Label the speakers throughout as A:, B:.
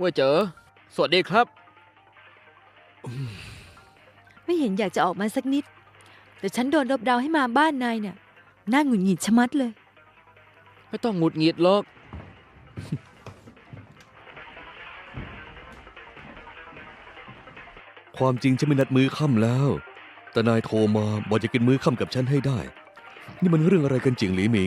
A: ว่าเจอสวัสดีครับ
B: ไม่เห็นอยากจะออกมาสักนิด แต่ฉันโดนรบเร้าให้มาบ้านนายเนี่ยน่าหงุดหงิดชะมัดเลย
A: ไม่ต้องหงุดหงิดหรอก
C: ความจริงฉันไม่นัดมื้อค่ำแล้ว แต่นายโทรมาบอกจะกินมื้อค่ำกับฉันให้ได้ นี่มันเรื่องอะไรกันจริงหลีหมิง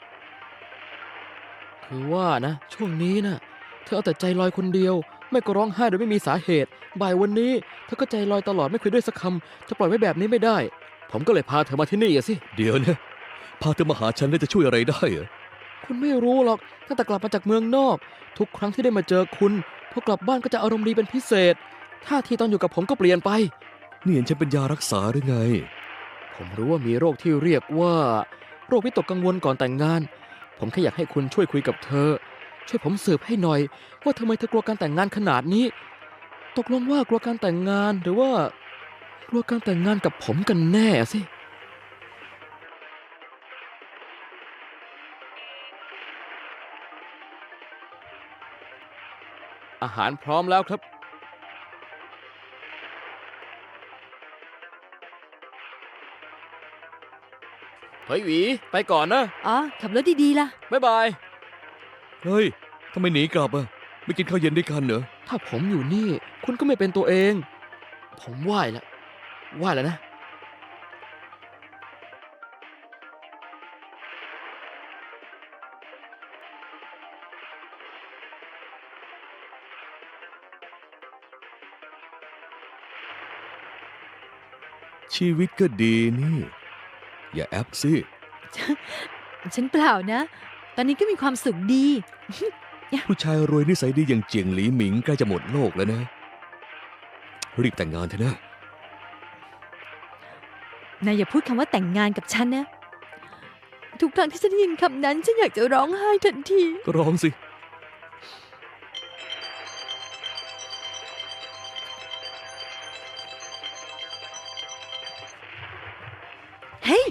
A: คือว่านะช่วงนี้นะเธอเอาแต่ใจลอยคนเดียว ไม่ก็ร้องไห้โดยไม่มีสาเหตุบ่ายวันนี้เธอก็ใจลอยตลอดไม่คุยด้วยสักคำจะปล่อยไว้แบบนี้ไม่ได้ ผมก็เลยพาเธอมาที่นี่อะสิ
C: เดี๋ยวนะพาเธอมาหาฉันแล้วจะช่วยอะไรได้เหรอ
A: คุณไม่รู้หรอกตั้งแต่กลับมาจากเมืองนอก ทุกครั้งที่ได้มาเจอคุณพอกลับบ้านก็จะอารมณ์ดีเป็นพิเศษท่าทีตอนอยู่กับผมก็เปลี่ยนไป
C: นี่เห็นฉันเป็นยารักษาหรือไง
A: ผมรู้ว่ามีโรคที่เรียกว่าโรควิตกกังวลก่อนแต่งงาน ผมแค่อยากให้คุณช่วยคุยกับเธอ ช่วยผมสืบให้หน่อย ว่าทำไมเธอกลัวการแต่งงานขนาดนี้ ตกลงว่ากลัวการแต่งงานหรือว่ากลัวการแต่งงานกับผมกันแน่สิอาหารพร้อมแล้วครับเฮ้ยหวีไปก่อนนะ
B: อ๋อ ขับรถดีๆล่ะ
A: บ๊ายบาย
C: เฮ้ยทำไมหนีกลับอ่ะไม่กินข้าวเย็นด้วยกันเหรอ
A: ถ้าผมอยู่นี่คุณก็ไม่เป็นตัวเอง ผมไหว้แล้วนะ
C: ชีวิตก็ดีนี่ อย่าแอปสิ
B: ฉันเปล่านะ ตอนนี้ก็มีความสุขดี
C: ผู้ชายรวยนิสัยดีอย่างเจียงหลีหมิงใกล้จะหมดโลกแล้วนะ รีบแต่งงานเถอะนะ
B: นายอย่าพูดคำว่าแต่งงานกับฉันนะ ทุกครั้งที่ฉันได้ยินคำนั้น ฉันอยากจะร้องไห้ทันที
C: ก็ร้องสิ
B: เฮ้ย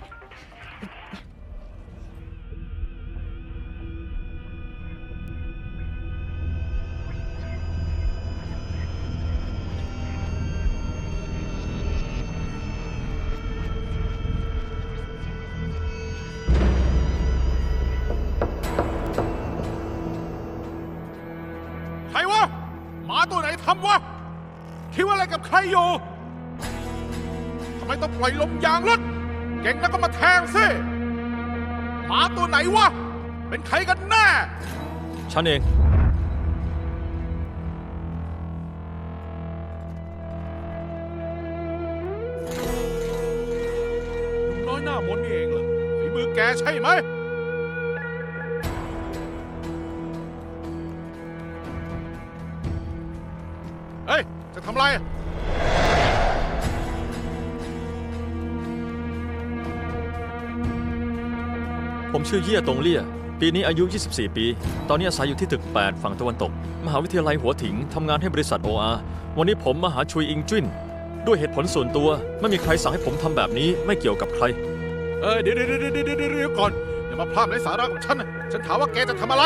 D: ใครวะหมาตัวไหนทำวะคิดว่าอะไรกับใครอยู่ทำไมต้องปล่อยลมยางรถเก่งแล้วก็มาแทงสิหมาตัวไหนวะเป็นใครกันแน่
E: ฉันเอง
D: ลุงน้อยหน้ามนต์นี่เองเหรอฝีมือแกใช่ไหมเฮ้ยจะทำอะไร
E: ผมชื่อเยี่ยตงเลี่ย ปีนี้อายุ 24 ปี ตอนนี้อาศัยอยู่ที่ตึก 8 ฝั่งตะวันตก มหาวิทยาลัยหัวถิง ทำงานให้บริษัท OR วันนี้ผมมาหาชุยอิงจุ้นด้วยเหตุผลส่วนตัว ไม่มีใครสั่งให้ผมทำแบบนี้ ไม่เกี่ยวกับใคร
D: เดี๋ยวก่อนอย่ามาพลาดไร้สาระกับฉันนะฉันถามว่าแกจะทำอะไร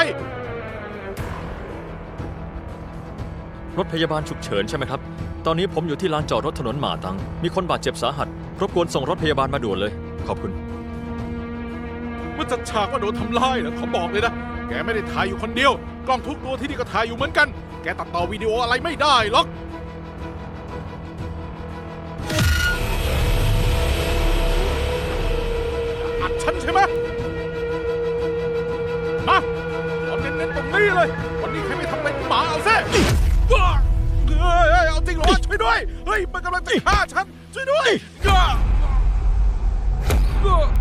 E: รถพยาบาลฉุกเฉินใช่ไหมครับ ตอนนี้ผมอยู่ที่ลานจอดรถถนนหมาตัง มีคนบาดเจ็บสาหัส รบกวนส่งรถพยาบาลมาด่วนเลย ขอบคุณ
D: ว่าจัดฉากว่าโดนทำร้ายนะเขาบอกเลยนะ แกไม่ได้ถ่ายอยู่คนเดียว กล้องทุกตัวที่นี่ก็ถ่ายอยู่เหมือนกัน แกตัดต่อวิดีโออะไรไม่ได้หรอกอัดฉันใช่ไหมมาเอาเน้นๆตรงนี้เลย วันนี้ใครไม่ทำเป็นหมาเอาซิเอาจริงเหรอวะช่วยด้วย เฮ้ยมันกำลังจะฆ่าฉัน ช่วยด้วย